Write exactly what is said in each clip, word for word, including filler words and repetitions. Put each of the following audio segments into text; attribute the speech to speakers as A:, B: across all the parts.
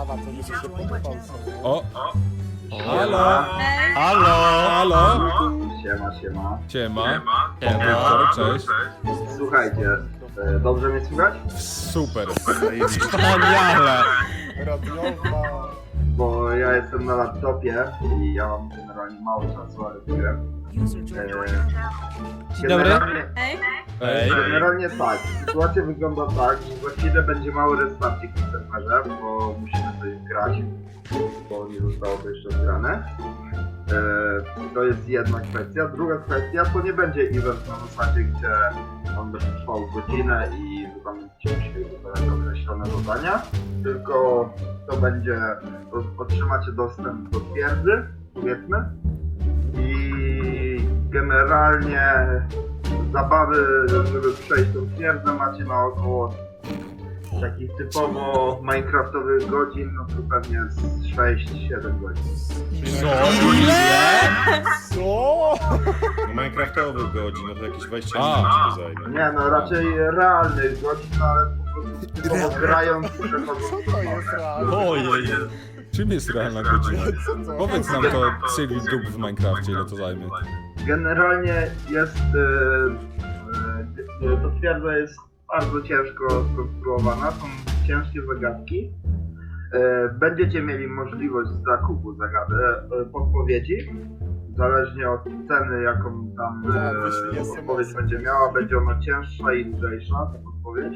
A: sprawa, to by się podobał sobie.
B: O! Halo!
C: Hej.
B: Halo! Halo!
D: Siema, siema.
B: Siema.
C: Siema.
B: Wiktor, cześć.
D: Słuchajcie, e, dobrze mnie słychać?
B: Super.
C: Wspaniale!
A: Radiowa.
D: Bo ja jestem na laptopie i ja mam generalnie mało czasu, ale wygrę. E,
C: Dzień dobry.
D: generalnie,
C: Hej.
B: Ej.
D: generalnie tak, sytuacja wygląda tak, że za chwilę będzie mały restarcik w serwerze, bo musimy coś grać, bo nie zostało to jeszcze zgrane. E, to jest jedna kwestia. Druga kwestia, to nie będzie event na zasadzie, gdzie on będzie trwał godzinę i wykonujecie musieli wykonać określone zadania, tylko to będzie, otrzymacie dostęp do twierdzy, powiedzmy, i generalnie zabawy, żeby przejść tą twierdzę, macie na około takich typowo minecraftowych godzin, no to pewnie z sześć siedem godzin.
B: Co? Ile?
A: Co?
E: No Minecraftowych godzin, no to jakieś dwadzieścia
B: A.
E: minut ci to zajmie.
D: Nie no, raczej realnych godzin, no ale po prostu typowo grając i przechodząc.
A: Co to jest realne?
C: Ojej.
B: Czym jest realna godzina?
A: Co to?
B: Powiedz nam to cywil dób w Minecrafcie, ile to zajmie.
D: Generalnie jest, yy, yy, to twierdza jest bardzo ciężko skonstruowana, są ciężkie zagadki. Yy, będziecie mieli możliwość zakupu zagadek, yy, podpowiedzi. Zależnie od ceny, jaką tam
A: Tak, wyślij
D: yy,
A: S M S.
D: podpowiedź będzie miała, będzie ona cięższa i lżejsza, ta podpowiedź.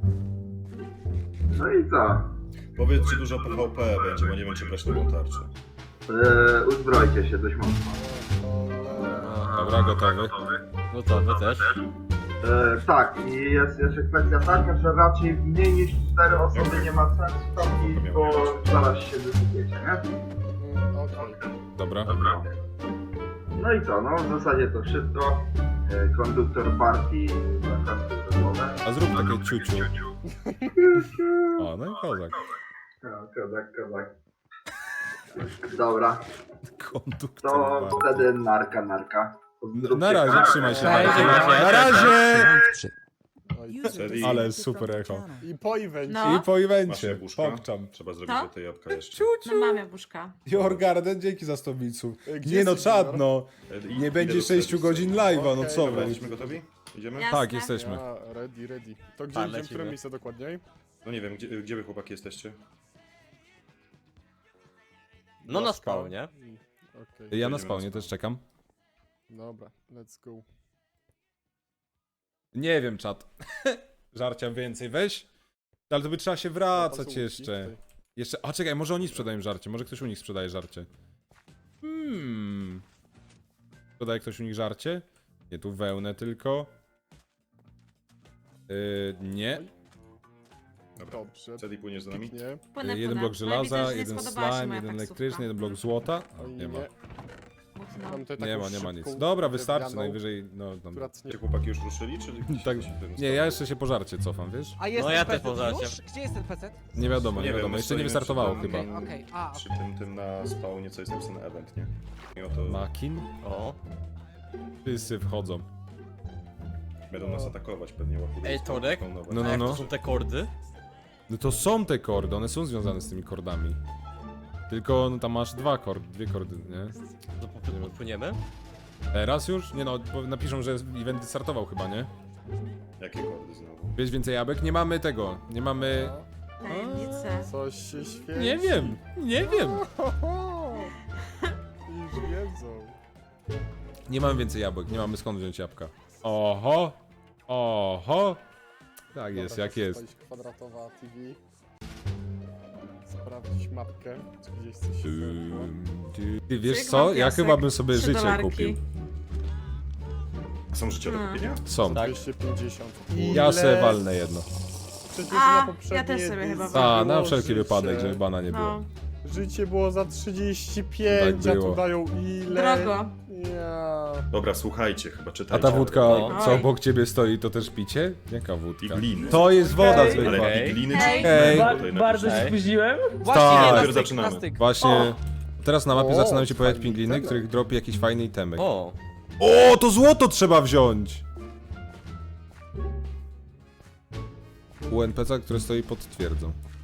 D: No i co?
E: Powiedz, czy dużo P V P będzie, bo nie wiem, czy brać nową tarczę.
D: Yy, uzbrojcie się dość mocno.
B: Dobra, gotowy.
C: No to wy też.
D: E, tak, i jest jeszcze kwestia taka, że raczej mniej niż cztery osoby nie ma sensu tam iść, bo zaraz się wysypiecie, nie?
A: Mm, Okej.
B: Dobra.
D: No i co, no w zasadzie to wszystko. E, konduktor partii na kartę rozmowę.
B: A zrób takie ciuciu. O, no i kozak.
D: Kozak, kozak. Dobra,
B: Konduktor.
D: to
B: bardzo.
D: wtedy narka, narka.
B: Na razie, trzymaj się.
C: Cześć,
B: Marcin.
C: cześć.
B: Na razie!
A: Oj,
E: Serii?
B: Ale super echo.
A: I po evencie.
C: No.
B: I po
E: Masz
B: evencie.
E: jabłuszka?
B: Pokczam.
E: Trzeba zrobić
C: Co?
E: do tej jabłka jeszcze.
C: No mam jabłuszka.
B: Your Garden, dzięki za sto biców.
A: E, gdzie
B: Nie no,
A: jesteś,
B: czad
A: Junior?
B: no.
E: E, i-
B: Nie
E: idę
B: będzie
E: do
B: sześciu
E: serwisu.
B: godzin live'a, no
A: Okej,
B: co
A: dobra,
B: wy?
E: Jesteśmy gotowi? Idziemy?
C: Jasne.
B: Tak, jesteśmy.
A: Ja, ready, ready. To gdzie
C: Tak,
A: idziemy, w
C: lecimy.
A: które miejsce dokładniej?
E: No nie wiem, gdzie, gdzie wy chłopaki jesteście?
C: No na spawnie.
A: Mm, Okej,
B: Ja na
E: Jedziemy
B: spawnie
E: na
B: też czekam.
A: dobra, let's go.
B: Nie wiem, czat. Żarcia więcej, weź. Ale to by trzeba się wracać
A: Pazurki
B: jeszcze.
A: tutaj.
B: Jeszcze, a czekaj, może oni sprzedają żarcie, może ktoś u nich sprzedaje żarcie. Hmm. Sprzedaje ktoś u nich żarcie? Nie, tu wełnę tylko. Yy, nie.
E: Dobra.
A: Dobrze,
E: Cedi, płyniesz za nami?
A: nie.
C: Płynę,
B: Jeden
C: płynę.
B: blok
C: No i widzę,
B: żelaza,
C: że nie
B: jeden
C: spodobała się
B: slime,
C: moja
B: jeden
C: taksówka.
B: elektryczny, jeden blok złota.
A: Oj,
B: Nie ma.
C: Mocno.
A: Mam tutaj
B: Nie
A: taką
B: ma, nie ma
A: szybką
B: nic. Dobra, wystarczy,
A: drewnianą,
B: najwyżej, no, no.
A: która tnie-
E: Czy chłopaki już ruszyli, czy gdzieś
B: Tak,
E: coś w tym
B: nie,
E: stanie?
B: ja jeszcze się po żarcie cofam, wiesz?
F: A jest
C: No
F: ten
C: ja też
F: P C
C: poza
F: już? Gdzie jest ten P C?
B: Nie wiadomo, nie,
E: Nie wiem,
B: wiadomo,
E: my
B: jeszcze nie
E: stoimy
B: wystartowało
E: przy tym-
B: chyba.
F: Okej, okej, a.
E: Przy tym, tym na spawnie, co jest napisane event, nie? I oto
B: Makin?
C: O.
B: Wszyscy wchodzą.
E: będą nas atakować pewnie łapują.
C: Ej, Torek?
B: No,
C: A
B: no,
C: jak
B: no.
C: to są te kordy?
B: No to są te kordy, one są związane z tymi kordami. Tylko no, tam masz dwa kordy, dwie kordy, nie?
C: To po- popłyniemy?
B: Teraz już? Nie no, bo napiszą, że event startował chyba, nie?
E: Jakie kordy znowu?
B: Wiesz więcej jabłek? Nie mamy tego, nie mamy...
C: Tajemnice.
A: Coś się świeci.
B: Nie wiem, nie wiem.
A: Już wiedzą.
B: Nie mamy więcej jabłek, nie mamy skąd wziąć jabłka. Oho! Oho! Tak jest,
A: Dobra,
B: jak jest.
A: wstać Kwadratowa T V. Sprawdzić mapkę, czy gdzieś coś się wydarzyło.
B: Ym, Ty, ty wiesz
C: Cyk,
B: co?
C: mam
B: Ja
C: piasek.
B: chyba bym sobie
C: Trzy
B: życie
C: dolarki.
B: kupił.
E: Są życia do
C: Hmm.
E: kupienia?
B: Są.
A: dwieście pięćdziesiąt.
B: Ja se
A: Ile?
B: walnę jedno.
A: Przecież
C: A,
A: na
C: ja
A: poprzedniej
C: też sobie chyba
A: edycji
B: A, na
A: było
B: wszelki
A: życie.
B: wypadek, żeby bana nie było.
C: No.
A: Życie było za trzydzieści pięć,
B: Tak
A: a
B: było.
A: tu dają ile?
C: Drogo.
A: Ja.
E: Dobra, słuchajcie, chyba
B: A
E: czytajcie.
B: ta wódka,
C: No.
B: co
C: Oj.
B: obok ciebie stoi, to też picie? Jaka wódka?
E: Igliny.
B: To jest woda
C: Hej.
B: zwykła.
E: Ale igliny czy
C: Hej.
B: Hej.
E: Bo
G: Ba
E: tutaj
G: bardzo się
E: napiszę.
G: spóźniłem.
F: Właśnie,
B: Tak.
F: nie, na
E: Dopiero
F: styk,
E: zaczynamy.
F: na styk.
B: Właśnie, teraz na mapie
A: O,
B: zaczynają się pojawiać
A: fajny
B: pingliny,
A: temat.
B: których dropi jakiś fajny itemek.
C: O.
B: O, to złoto trzeba wziąć! U N P C, które stoi pod twierdzą.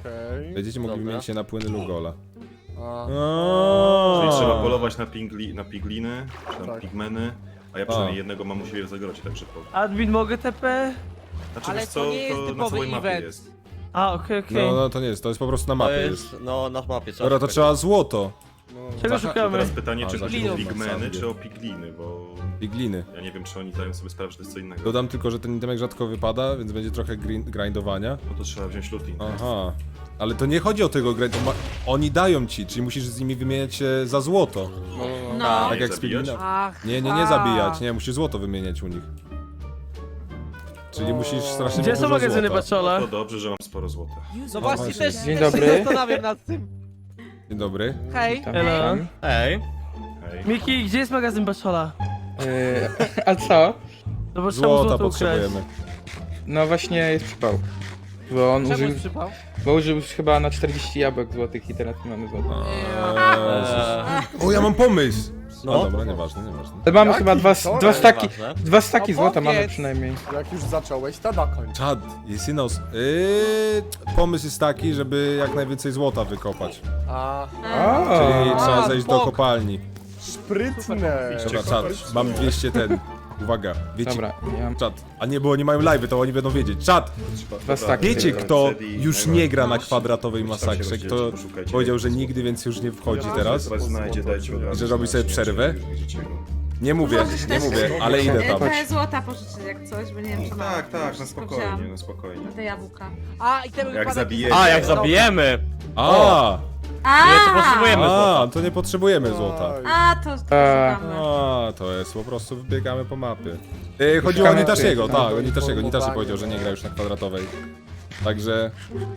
A: Okej.
B: Będziecie mogli
C: Dobra.
B: wymienić się na płyny Lugola.
A: A,
E: Czyli trzeba polować na, pingli, na pigliny, czy tam
A: Tak.
E: pigmeny, a ja przynajmniej
B: A.
E: jednego mam u siebie w zagrocie, także po...
F: Admin, mogę T P?
E: Znaczy,
G: Ale
E: wiesz
G: to
E: co,
G: nie jest
E: to na
G: typowy
E: całej mapie
G: event.
E: jest.
F: A, okej, okej.
B: No, no to nie jest, to jest po prostu na
C: To
B: mapie jest.
C: jest, no na mapie trzeba
B: Dobra, to
C: szukać.
B: trzeba złoto.
A: no,
F: Czego
B: Zaha-
E: To
F: szukamy?
E: teraz pytanie,
B: A,
E: czy
B: za
E: chodzi o
G: piglinów.
E: pigmeny, czy o pigliny, bo
B: Pigliny.
E: ja nie wiem, czy oni zdają sobie sprawę, że to jest co innego.
B: Dodam tylko, że ten itemek rzadko wypada, więc będzie trochę grin- grindowania.
E: No to trzeba wziąć looting.
B: Aha. Ale to nie chodzi o tego grind, to ma... oni dają ci, czyli musisz z nimi wymieniać się za złoto.
A: no, no.
C: No.
B: Tak jak z
E: zabijać?
B: piglina.
G: Ach,
B: Nie, nie, nie
G: a.
B: zabijać, nie, musisz złoto wymieniać u nich. Czyli musisz strasznie
F: Gdzie
B: dużo
F: są magazyny
B: złota.
F: Baczola?
E: To dobrze, że mam sporo złota.
G: No właśnie,
B: właśnie.
G: też,
H: Dzień
G: też
H: dobry.
G: się zastanawiam nad tym.
B: Dzień dobry.
G: Hej.
H: Tam,
F: Elo.
H: tam.
C: Ej,
E: Hej.
F: Miki, gdzie jest magazyn Baczola?
H: Yy, a co?
F: No bo trzeba
B: Złota
F: złoto ukraść.
B: potrzebujemy.
H: No właśnie jest przypał. Bo on
G: Czemu
H: użył,
G: jest przypał?
H: bo użył już chyba na czterdzieści jabłek złotych i teraz nie mamy złota.
B: Eee. O, ja mam pomysł! No,
C: No.
B: dobra, nieważne, nieważne.
H: Ale mamy
A: Jaki?
H: chyba dwa,
A: Co?
H: dwa staki,
C: ważne.
H: dwa staki złota
G: Opowiedz.
H: mamy przynajmniej.
A: Jak już zacząłeś, to dokończ.
B: Czad, jest inna os- yy, pomysł jest taki, żeby jak najwięcej złota wykopać.
A: A,
B: Czyli
H: O,
B: trzeba
G: A,
B: zejść do
G: bok.
B: kopalni.
A: sprytne.
B: Dobra, czad, mam dwieście ten. Uwaga, wiecie,
H: dobra, ja mam
B: czad. A nie, bo oni mają live'y, to oni będą wiedzieć. Czad,
H: dwa staki.
B: wiecie
H: tylko.
B: kto
E: Cedi,
B: już
E: najwa-
B: nie gra na kwadratowej
E: Tam się
B: masakrze?
E: rozdzielcie,
B: Kto
E: poszukajcie
B: powiedział, że
E: jakiegoś
B: nigdy więc już nie wchodzi
A: Ja
B: teraz?
E: Teraz znajdzie, dajcie od razu.
B: Że robi sobie
E: znać,
B: przerwę?
E: nie widzicie go.
B: Nie mówię,
I: Możesz
B: nie
I: też-
B: mówię, ale idę tam.
I: Te złota pożyczyć jak coś, bo nie wiem, czy mam.
E: Tak, tak, na
I: Wszystko
E: spokojnie,
I: wzięłam.
E: na spokojnie.
I: Na te jabłka.
G: A, i ten
E: Jak
G: wypadek
E: zabijecie.
G: jest-
C: A, jak zabijemy!
B: A,
I: A,
C: Nie, to potrzebujemy
B: a,
C: złota.
B: to nie potrzebujemy złota.
A: Oj.
I: a to, to
H: Eee.
I: szukamy.
B: A, to jest, po prostu wybiegamy po mapie. Yy, chodziło o
H: Szukamy
B: Nitashiego,
H: tych,
B: tak,
A: no,
B: o Nitashiego. Nitashi
A: informowanie.
B: powiedział, że nie gra już na kwadratowej. Także...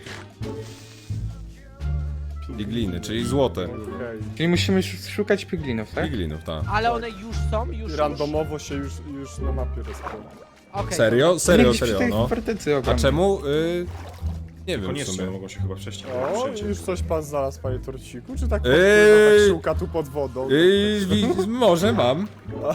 B: I gliny, czyli złote.
A: Okej.
H: Czyli musimy sz- szukać piglinów, tak?
B: I glinów, tak.
G: Ale one już są, już już.
A: Randomowo się już, już na mapie rozkłada.
G: Okej,
B: Serio?
H: Nie
B: Serio,
H: gdzieś przy
B: serio,
H: tej
B: no.
H: fortecy
B: A
H: ogromnej.
B: czemu? Y... Nie wiem w
E: Koniecznie,
B: sumie.
E: mogą się chyba wcześniej
A: O,
E: przejść.
A: już coś pan znalazł, panie Torciku? Czy tak
B: Ej.
A: podpływa, tak szuka tu pod wodą?
B: Yy, wi- może mam.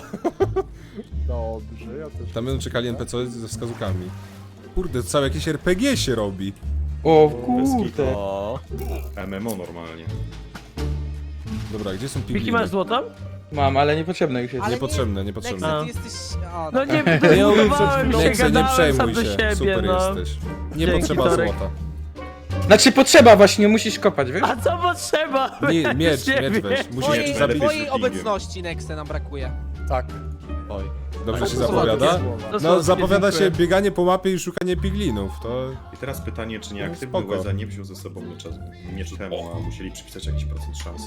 A: Dobrze, ja też.
B: Tam będą czekali N P C ze wskazówkami. Kurde, całe jakieś R P G się robi.
H: O
E: Bez
H: kurde.
C: O,
E: M M O normalnie.
B: Dobra, gdzie są
F: Miki,
B: pigliny?
F: masz złoto?
H: Mam, ale niepotrzebne już jest.
G: Ale
B: Niepotrzebne,
G: Nexe,
B: niepotrzebne.
G: ty jesteś... A,
F: No
G: dobra.
F: nie,
B: Ja mówię
F: budowałem się,
B: Nexe, nie
F: gadałem sam
B: przejmuj
F: do
B: się,
F: siebie,
B: super
F: no.
B: jesteś. Nie
F: Dzięki,
B: potrzeba
F: Torek.
B: złota.
H: Znaczy potrzeba właśnie, musisz kopać, wiesz?
F: A co potrzeba?
B: Nie,
F: Ja
B: miecz,
F: już nie
B: miecz
F: wiem.
B: weź. Musisz
G: Twojej,
E: Najlepiej
B: zabić.
G: twojej
E: z Wikingiem.
G: obecności, Nexe, nam brakuje.
A: Tak.
C: oj.
B: Dobrze się
A: To są
B: zapowiada?
A: ładne słowa.
F: To
B: No,
F: słodkie,
B: zapowiada się
F: dziękuję.
B: bieganie po mapie i szukanie piglinów. To...
E: I teraz pytanie, czy nieaktywny
B: Spoko.
E: Łeza nie wziął ze sobą miecza, miecz temu, a musieli przypisać jakiś procent szans.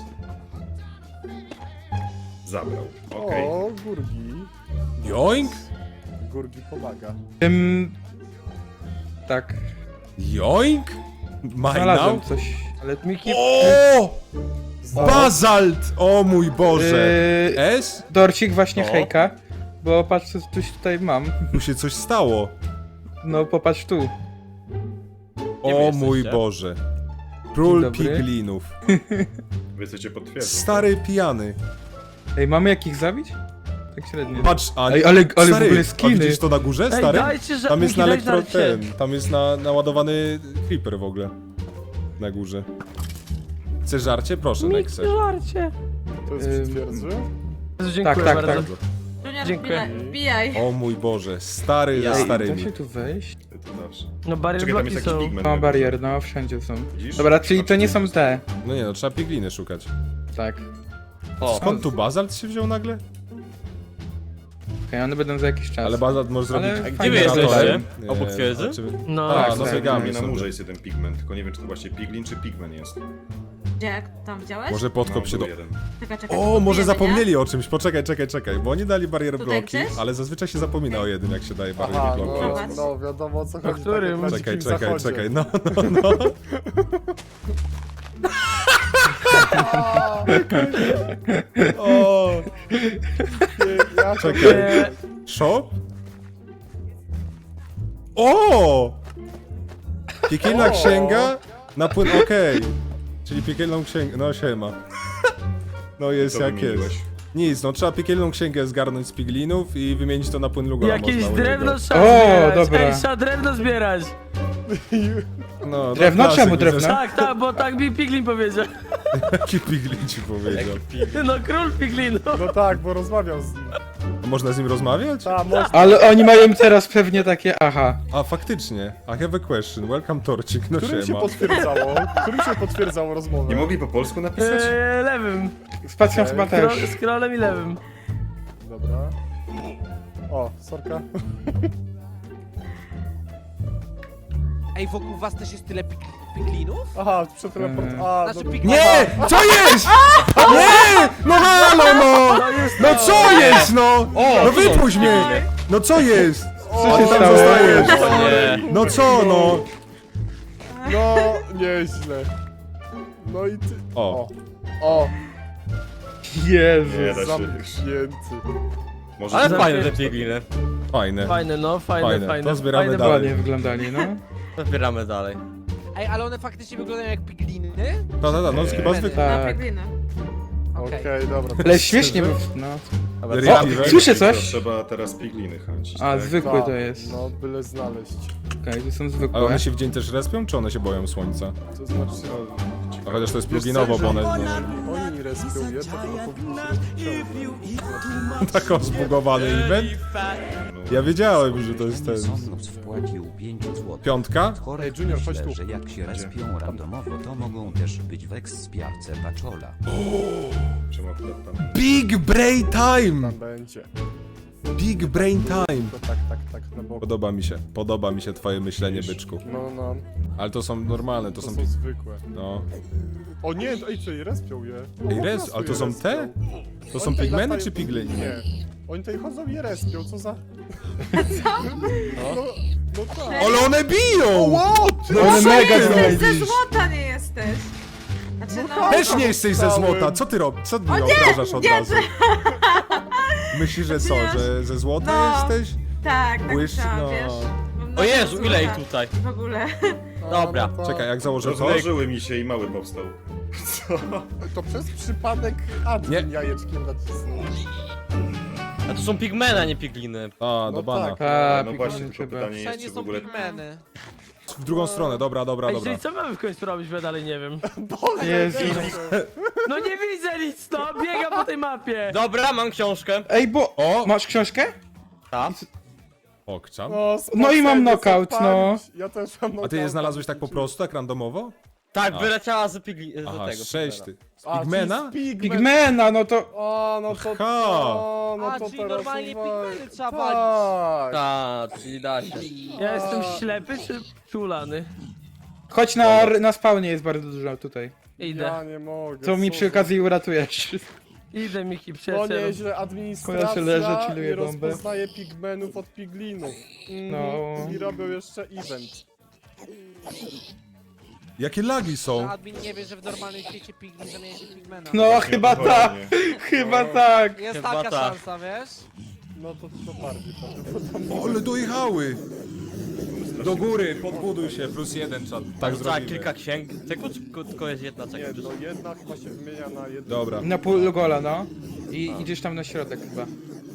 E: Zabrał. Okej.
A: O, Gurgi.
B: Joink?
A: Gurgi pomaga.
H: Tym... Tak.
B: Joink?
H: Znalazłem
B: Majnał?
H: coś, ale...
F: Miki,
B: O! Bazalt! O mój Boże!
H: Yy,
B: S?
H: Dorcik, właśnie
E: O.
H: hejka. Bo patrz, co coś tutaj mam.
B: Tu się coś stało.
H: No popatrz tu.
C: Gdzie wy
B: O
C: jesteście?
B: mój Boże. Król
H: Dzień dobry.
B: piglinów.
E: Wy chcecie potwierdzić.
B: Stary pijany.
H: Ej, mamy jakich zabić? Tak średnio.
B: Patrz, a
H: Ej, ale- ale w
B: stary,
H: ogóle
B: a
H: skiny.
B: widzisz to na górze,
F: ej,
B: stary?
F: dajcie, że...
B: Tam jest
F: Miki,
B: na
F: daj
B: elektro
F: żarcie.
B: ten, tam jest na, naładowany creeper w ogóle. Na górze. Chcesz żarcie? Proszę,
F: Miki,
B: Nexe.
F: żarcie.
A: To jest
H: Ym,
A: przy twierdzy?
F: Dziękuję
H: Tak, tak,
F: bardzo.
H: tak.
I: Junior,
F: Dziękuję.
I: wbijaj- wbijaj.
B: O mój Boże, stary
C: Ja.
B: ze
H: Ej, da
B: starymi.
H: się tu wejść?
E: To zawsze.
F: No barier
E: Czekaj, tam
F: bloki
E: jest jakiś
F: są.
E: pigment.
H: No barier, no wszędzie są.
E: Widzisz?
H: Dobra, czyli to nie są te.
B: No nie no, trzeba pigliny szukać.
H: Tak.
C: O,
B: Skąd tu bazalt się wziął nagle?
H: Okej, one będą za jakiś czas.
B: Ale bazalt może
H: Ale
B: zrobić...
H: fajnie
C: wy
H: wyglądają.
C: jesteście? Obok twierdzy?
B: znaczy-
F: No,
B: A,
H: tak,
B: no
H: tak.
B: biegamy
E: Na
B: sobie.
E: murze jest jeden pigment, tylko nie wiem, czy to właśnie piglin, czy pigment jest.
I: Gdzie, jak tam widziałeś?
B: Może podkop
E: No,
B: się do...
E: był jeden.
I: Czekaj, czekaj,
B: O, może
I: kupujemy,
B: zapomnieli o czymś, poczekaj, czekaj, czekaj, bo oni dali barierę
I: Tutaj
B: bloki,
I: gdzieś?
B: ale zazwyczaj się zapomina o jednym, jak się daje barierę
A: Aha,
B: bloki.
A: no,
I: Zobacz.
A: no wiadomo o co chodzi.
F: którym?
A: tak jak na
B: Czekaj,
A: Dzikim
B: czekaj,
A: Zachodzie.
B: czekaj, no, no, no. O,
A: Ja
B: czekaj.
F: Nie,
B: Shop? O! Piekielna
A: O!
B: księga na płyn, okej. Czyli piekielną księgę, no siema. No jest
E: Co
B: jak
E: wymieniłeś?
B: jest. Nic, no trzeba piekielną księgę zgarnąć z piglinów i wymienić to na płyn Lugora.
F: jakieś
B: można u
F: drewno
B: niego.
F: trzeba
H: O,
F: zbierać.
H: dobra.
F: Ej, trzeba drewno zbierać.
B: No,
H: Drewno?
B: no, klasyk,
H: Czemu drewno?
B: widzę,
F: Tak, tak, bo tak mi Piglin powiedział.
B: Jaki piglin ci powiedział.
F: No król Piglinów.
A: No tak, bo rozmawiał z nim.
B: A można z nim rozmawiać?
A: Ta, można.
H: Ale oni mają teraz pewnie takie, aha.
B: A faktycznie. I have a question. Welcome Torcik. No
A: Którym się
B: siema.
A: potwierdzało? Którym się potwierdzało rozmowę?
E: Nie mogli po polsku napisać?
F: Eee, lewym.
H: Spacją chyba też.
F: Skro- Scrollem i lewym.
A: Dobra. O, sorka.
G: Ej, wokół was też jest tyle pig piglinów?
A: Aha, przeteleport... A,
G: Znaczy
A: no,
G: pig...
B: Nie! Co jest? Nie! No halo, no! No co jest, no?
C: O,
B: No wypuść mnie! No co jest?
H: Co się
B: tam
H: stało?
B: zostajesz?
C: O nie.
B: No co, no?
A: no, nieźle. No i ty...
B: O.
A: O,
H: Jezu.
E: Nie da się.
A: zamknięty.
E: Może
C: Ale
F: Za-
C: fajne te pigliny.
B: Fajne.
F: Fajne, no, fajne,
B: Fajne.
F: fajne.
B: To zbieramy
F: fajne
B: dalej.
H: Ładnie wyglądali, no.
C: Zbieramy dalej.
G: Ej, ale one faktycznie wyglądają jak pigliny?
B: Ta, ta, ta, no chyba zwykle.
I: Na
H: Tak.
I: pigliny.
A: Okej,
G: Okej.
A: dobra.
H: Ale śmiesznie, bo... no.
C: Dobra,
B: Real
C: co?
B: Event?
H: Słyszę
E: To
H: coś?
E: trzeba teraz pigliny chęcić.
H: A,
E: tak?
H: zwykły
A: Ta,
H: to jest.
A: No, byle znaleźć.
H: Okej, to są
B: Ale
H: zwykłe.
B: one się w dzień też respią, czy one się boją słońca?
A: To znaczy...
B: A chociaż to jest
A: Wiesz co,
B: pluginowo,
A: że
B: bo one...
A: Oni respią je, to chyba powinni się rozciągnąć.
B: Tak zbugowany event? Ja wiedziałem, że to jest ten...
J: Sonnox wpłacił pięć złotych.
B: Piątka?
A: Ej, Junior, chodź
J: Myślę,
A: tu.
J: że jak się respią randomowo, to mogą też być w ekspiarce Paczola.
E: Czemu akurat tam?
B: Big Brain Time!
A: Tam będzie.
B: Big Brain Time!
A: To tak, tak, tak, na boku.
B: Podoba mi się, podoba mi się twoje myślenie, byczku.
A: No, no,
B: Ale to są normalne, to
A: to
B: są...
A: są zwykłe.
B: No...
A: O nie, ej, czyli respią je. No,
B: Ej,
A: po
B: res,
A: prostu
B: ale to
A: je
B: są
A: respią.
B: te? To są
A: Oni tutaj
B: pigmeny
A: latają-
B: czy pigliny?
A: Nie. Oni tutaj chodzą i respią, co za... No, no tak.
B: Ale one biją!
A: Wow, ty
B: No
H: One
B: co
H: mega
B: ty
H: zrobili.
I: Ze
B: robisz?
I: złota nie jesteś. Znaczy, no...
B: Też nie jesteś ze złota, co ty robisz? Co mnie obrażasz od
I: nie,
B: razu? Myślisz, że co, że ze złota
I: No.
B: jesteś?
I: Tak, tak
B: Błysz-
I: chciałam,
B: no.
I: wiesz. Mam
C: O Jezu,
I: złota
C: ile ich tutaj?
I: W ogóle.
C: Dobra.
A: No, no,
B: Czekaj, jak założę to?
E: Rozmnożyły mi się i mały powstał. Co?
A: To przez przypadek admin
B: Nie.
A: jajeczkiem nacisnął.
C: A to są pigmeny, a nie pigliny.
B: A, do
A: No
B: bana.
A: tak.
H: Ta,
E: No właśnie,
H: pigmenty
E: tylko
H: chyba.
E: pytanie jest,
G: Wszędzie
E: czy w
G: są
E: ogóle...
G: pigmeny.
B: W drugą stronę, dobra, dobra,
F: Ej,
B: dobra.
F: czyli co mamy w końcu robić, bo ja dalej nie wiem.
H: Jezu.
F: No nie widzę nic, no, biegam po tej mapie.
C: Dobra, mam książkę.
H: Ej, bo...
B: O!
H: Masz książkę?
C: Tak.
B: Okczam.
A: No,
H: No i mam
A: spocenie
H: knockout, no.
A: zapalić. Ja też mam knockout.
B: A ty je znalazłeś tak po prostu, tak randomowo?
C: Tak,
B: A.
C: wyleciała z pigli... z
B: Aha,
C: tego.
B: sześć ty. Z
A: A,
B: pigmena?
A: czyli z pigmen.
H: Pigmena, no to...
A: O, no to...
B: Aha.
A: O, no
G: A,
A: to
G: czyli
A: teraz
G: normalnie
A: uwag-
G: pigmeny trzeba
A: Tak.
C: Tak, czyli da się.
F: Ja jestem ślepy czy czulany?
H: Chodź na, na spawnie, jest bardzo dużo tutaj.
F: Idę.
A: Ja nie mogę.
H: Co mi
A: co
H: przy
A: za-
H: okazji uratujesz.
F: Idę, Miki,
A: No
F: przyjacielu.
A: nieźle, administracja
H: Ja się leżę, chilluję
A: nie
H: bombę.
A: rozpoznaje pigmenów od piglinów. Mm,
H: No.
A: I robią jeszcze event.
B: Jakie lagi są?
G: Admin nie wie, że w normalnym świecie piglin zamienia się w pigmena.
H: No, chyba tak.
E: Dokładnie.
H: Chyba tak.
G: Jest
C: Chyba
G: taka
C: tak.
G: szansa, wiesz?
A: No to, to bardziej prawdopodobnie.
B: O, ale dojechały! Do góry, podbuduj się, plus jeden czat. Tak
C: Tak,
B: zrobimy.
C: kilka księg. Tylko, czy tylko jest jedna
A: Nie,
C: czekaj.
A: no jedna chyba się wymienia na jedną.
B: Dobra.
H: Na pół gola, no. I idziesz tam na środek chyba.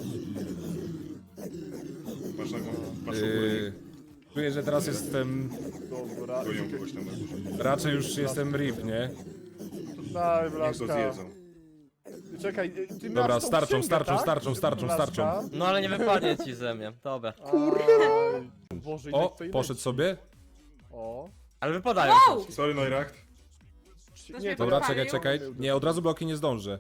E: Masz na masz
B: Yy, czuję, że teraz jestem...
A: Dobra.
E: ogólnie kogoś tam na górze.
B: Raczej już jestem rip, nie?
A: Daj,
E: Niech to
A: Blaszka.
E: zjedzą.
A: Czekaj, ty
B: Dobra,
A: masz tą
B: starczą,
A: księgę,
B: starczą,
A: tak?
B: starczą, starczą,
A: Blaszka?
B: starczą.
C: No ale nie wypadnie ci ze mnie. Dobra.
A: Aj, Boże, ile
B: O,
A: tutaj
B: poszedł
A: leci.
B: sobie.
A: O.
C: Ale wypadają.
I: Wow!
E: Sorry, Neuracht.
I: Ktoś
A: Nie,
I: mnie
B: Dobra,
I: podpalił?
B: czekaj, czekaj. Nie, od razu bloki nie zdążę.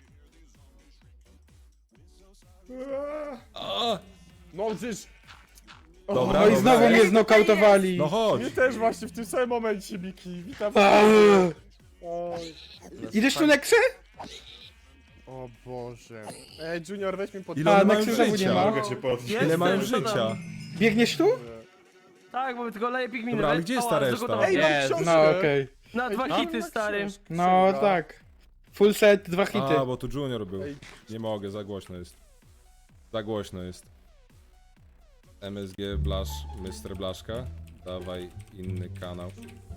B: A,
A: No przecież...
B: Dobra,
H: No i
B: dobra.
H: znowu mnie
I: Ile
H: znokautowali.
B: No chodź.
A: Mnie też właśnie w tym samym momencie, Miki. Witam.
H: Aaaa.
A: Oj.
H: Idziesz tu Nexy?
A: O Boże. Ej, Junior, weź mi pod...
B: Ile
H: A,
B: one
H: na
B: mają
H: krzyżaku nie
B: życia?
H: ma.
E: Mogę cię podnieść.
B: Ile
F: Jestem,
B: mają
F: co tam?
B: życia?
H: Biegniesz tu?
F: Tak, bo tylko leję pigminy.
B: Dobra, ale
F: Ej,
B: gdzie jest
F: ała,
B: ta reszta?
F: zagotowane.
A: Ej, mam
C: Jest.
A: książkę.
H: No okej.
F: Na
A: Ej,
F: dwa
A: mam
F: hity, stary.
A: książkę.
H: No
A: Księga.
H: tak. Full set, dwa hity.
B: A, bo tu Junior był.
A: Ej.
B: Nie mogę, za głośno jest. Za głośno jest. M S G Blasz, mister Blaszka. Dawaj inny kanał.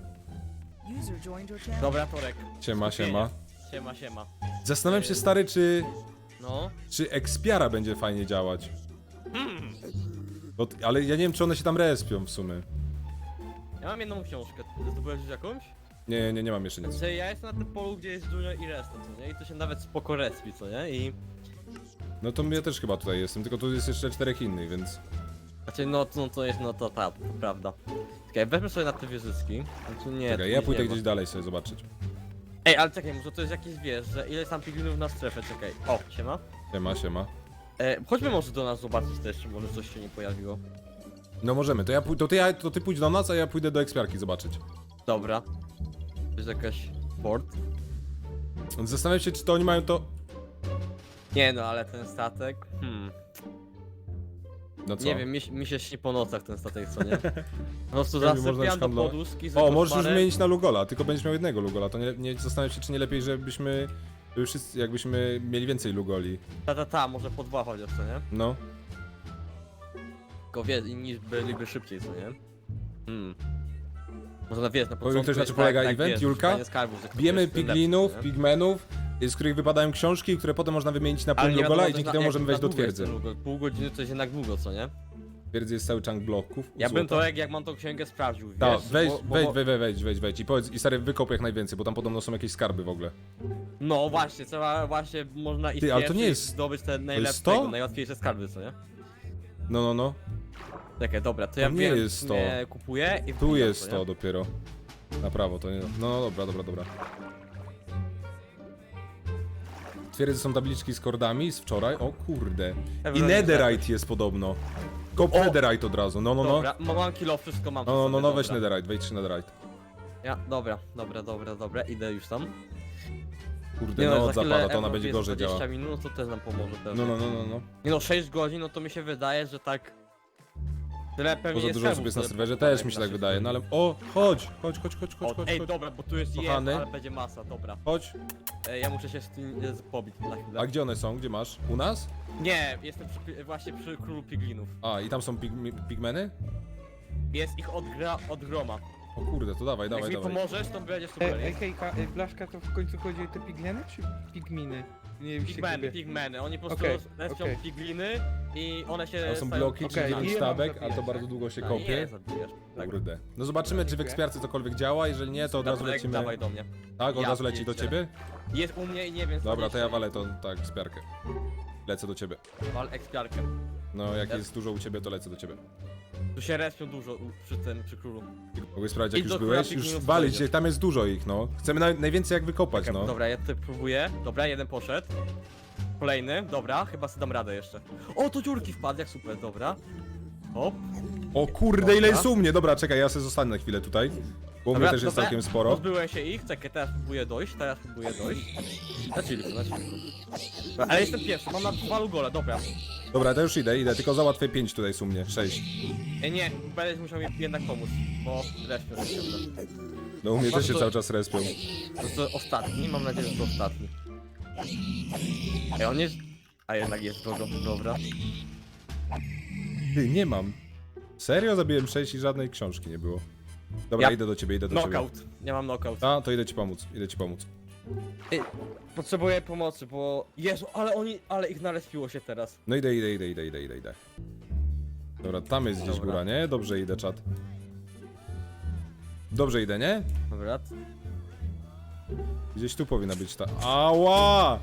C: Dobra, Torek.
B: Siema, siema.
C: Siema, siema.
B: Zastanawiam się, stary, czy...
C: No.
B: Czy Expiara będzie fajnie działać. Bo, ale ja nie wiem, czy one się tam respią w sumie.
C: Ja mam jedną książkę, ty zdobyłeś już jakąś?
B: Nie, nie, nie mam jeszcze nic.
C: Znaczy ja jestem na tym polu, gdzie jest Junior i reszta, co nie? I to się nawet spoko respi, co nie? I...
B: No to ja też chyba tutaj jestem, tylko tu jest jeszcze czterech innych, więc...
C: Znaczy no, no to jest, no to ta, to prawda. Czekaj, weźmy sobie na te wieżyski. Znaczy nie, tu
B: Czekaj, ja
C: nic
B: pójdę
C: nie ma.
B: gdzieś dalej sobie zobaczyć.
C: Ej, ale czekaj, może to jest jakieś, wiesz, że ile jest tam piglinów na strefę, czekaj. O, siema.
B: Siema, siema.
C: E, chodźmy może do nas zobaczyć też, czy może coś się nie pojawiło.
B: No możemy, to ja pój- to ty, ja, to ty pójdź do nas, a ja pójdę do ekspiarki zobaczyć.
C: Dobra. To jest jakaś port?
B: Więc zastanawiam się, czy to oni mają to...
C: Nie no, ale ten statek, hmm.
B: No co?
C: Nie wiem, mi, mi się śni po nocach ten statek, co nie? Po prostu
B: Pewnie można
C: zasypiam do
B: handlować.
C: poduszki z
B: O, możesz już
C: koszmarem.
B: zmienić na Lugola, tylko będziesz miał jednego Lugola, to nie, nie zastanawiam się, czy nie lepiej, żebyśmy... żeby Wszyscy, jakbyśmy mieli więcej Lugoli.
C: Ta, ta, ta, może po dwa chociaż, co nie?
B: No.
C: Tylko wiesz, inni byliby szybciej, co nie? Hmm. Może na wiesz, na
B: Powiem
C: początku
B: ktoś, na
C: jest
B: czym polega
C: tak,
B: event,
C: wiesz,
B: Julka?
C: szukanie skarbów, że kto
B: Bijemy
C: jest tym
B: piglinów,
C: lepszy, co nie?
B: pigmenów, z których wypadają książki, które potem można wymienić na
C: Ale
B: pół
C: nie
B: Lugola
C: wiadomo,
B: i
C: też
B: dzięki
C: na-
B: temu
C: jak
B: możemy
C: na
B: wejść do
C: długo jest
B: twierdzy.
C: ten długo. Pół godziny to jest jednak długo, co nie?
B: Twierdzy jest cały chunk bloków.
C: Ja bym
B: złota.
C: to jak, jak mam tą księgę sprawdził, wiesz?
B: Tak, wejdź,
C: bo- bo-
B: wejdź,
C: bo-
B: wejdź, wejdź, wejdź, wejdź, wejdź i powiedz, i stary wykop jak najwięcej, bo tam podobno są jakieś skarby w ogóle.
C: No właśnie, trzeba właśnie, można iść
B: Ty, ale to nie
C: pierwszy i
B: jest-
C: zdobyć te najlepsze,
B: to?
C: najłatwiejsze skarby, co nie?
B: No, no, no.
C: Czekaj, dobra, to
B: To
C: ja
B: nie
C: wiem,
B: jest to.
C: nie kupuję i
B: Tu
C: wbijam,
B: jest
C: co
B: to
C: nie?
B: dopiero. Na prawo, to nie... No, no dobra, dobra, dobra. Twierdzy są tabliczki z kordami z wczoraj, o kurde. I
C: Ewelina,
B: netherite jest podobno. Kop
C: O!
B: netherite od razu, no, no, no.
C: Dobra, ma- mam kilo, wszystko mam.
B: No,
C: przy
B: no,
C: sobie,
B: no, no, weź
C: dobra.
B: netherite, wejdź trzy netherite.
C: Ja, dobra, dobra, dobra, dobra, idę już tam.
B: Kurde,
C: Nie
B: no,
C: za chwilę
B: zapada, to ona
C: Ewo
B: będzie
C: jest
B: gorzej
C: dwadzieścia
B: działa.
C: minut, to też nam pomoże też.
B: No, no, no, no, no.
C: Nie no, sześć godzin, no to mi się wydaje, że tak... Tyle pewnie
B: Poza
C: jest
B: dużo osób
C: skarbów
B: jest na
C: sobie
B: serwerze,
C: podanych
B: też mi się
C: na
B: tak
C: sześć
B: wydaje,
C: godzin.
B: no ale... O, chodź, chodź, chodź, chodź, chodź,
C: O,
B: chodź,
C: ej,
B: chodź.
C: dobra, bo tu jest
B: Kochany.
C: jest, ale będzie masa, dobra.
B: Chodź.
C: E, ja muszę się z tym e, z- pobić na chwilę.
B: A gdzie one są? Gdzie masz? U nas?
C: Nie, jestem przy, pi- właśnie przy królu piglinów.
B: A, i tam są pig pigmeny?
C: Jest ich od, gra, od groma.
B: O kurde, to dawaj,
C: Jak
B: dawaj,
C: mi
B: dawaj.
C: pomożesz, to będzie
H: Ej,
C: super.
H: ej, hejka, ej, Blaszka, to w końcu chodzi o te pigleny czy pigminy? Nie wiem, się
C: Pigmeny,
H: gubię.
C: pigmeny, oni po prostu
H: Okej,
C: respią
H: okej.
C: pigliny i one się
B: To są
C: stają
B: bloki
H: Okej,
B: dziewięć
H: i je mam
B: sztabek,
H: zabijać,
B: ale to
H: tak?
B: bardzo długo się
C: A,
B: kopie.
C: nie, zabijesz. Tak.
B: Kurde. No zobaczymy, czy w ekspiarce cokolwiek działa, jeżeli nie, to od razu
C: Dobra,
B: lecimy...
C: dawaj do mnie.
B: Tak, od
C: Ja
B: razu leci do
C: pierdzielę.
B: ciebie?
C: Jest u mnie i nie wiem co
B: Dobra, to ja
C: jeszcze.
B: walę to, tak, ekspiarkę. Lecę do ciebie.
C: Wal ekspiarkę.
B: No, jak
C: Ja-
B: jest dużo u ciebie, to lecę do ciebie.
C: Tu się respią dużo u- przy tym, przy królu.
B: Mogę sprawdzić, jak
C: Idź
B: już
C: do
B: byłeś?
C: króla
B: Już
C: pigminów
B: walić,
C: wejdziesz.
B: tam jest dużo ich, no. Chcemy naj najwięcej jak wykopać,
C: Czekaj,
B: no.
C: Dobra, ja tutaj próbuję. Dobra, jeden poszedł. Kolejny, dobra, chyba sobie dam radę jeszcze. O, tu dziurki wpadł, jak super, dobra. Hop.
B: O kurde, ile
C: Dobra.
B: jest u mnie! Dobra, czekaj, ja sobie zostanę na chwilę tutaj. Bo u mnie
C: Dobra,
B: też jest
C: dobra,
B: całkiem sporo.
C: Pozbyłem się ich, czekaj, teraz próbuję dojść, teraz próbuję dojść. Na chillku, na chillku. Dobra, ale jestem pierwszy, mam na dwa lugole, dobra.
B: Dobra, to już idę, idę, tylko załatwię pięć tutaj jest u mnie, sześć.
C: E, nie, będziesz musiał mi jednak pomóc, bo respią się ciągle.
B: No u mnie też się
C: to-
B: cały czas respią.
C: To jest to ostatni, mam nadzieję, że to ostatni. Ej, on jest... A jednak jest drogo, dobra.
B: Ty, nie mam. Serio? Zabiłem sześć i żadnej książki nie było. Dobra,
C: Ja-
B: idę do ciebie, idę do ciebie.
C: Knockout, nie mam knockout.
B: A, to idę ci pomóc, idę ci pomóc.
C: Potrzebuję pomocy, bo... Jezu, ale oni... Ale ich narespiło się teraz.
B: No idę, idę, idę, idę, idę, idę, idę. Dobra, tam jest gdzieś
C: Dobra.
B: góra, nie? Dobrze idę, czat. Dobrze idę, nie?
C: Dobra.
B: Gdzieś tu powinna być ta... Ała!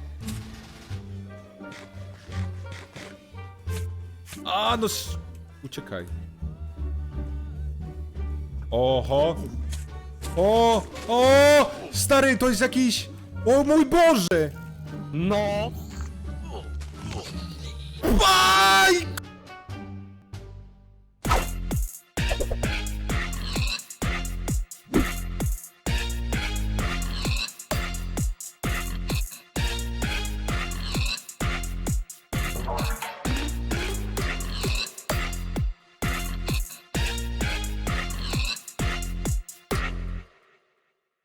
B: A, no sz... Uciekaj. Oho! O! O! Stary, to jest jakiś... O mój Boże!
C: No!
B: Aj!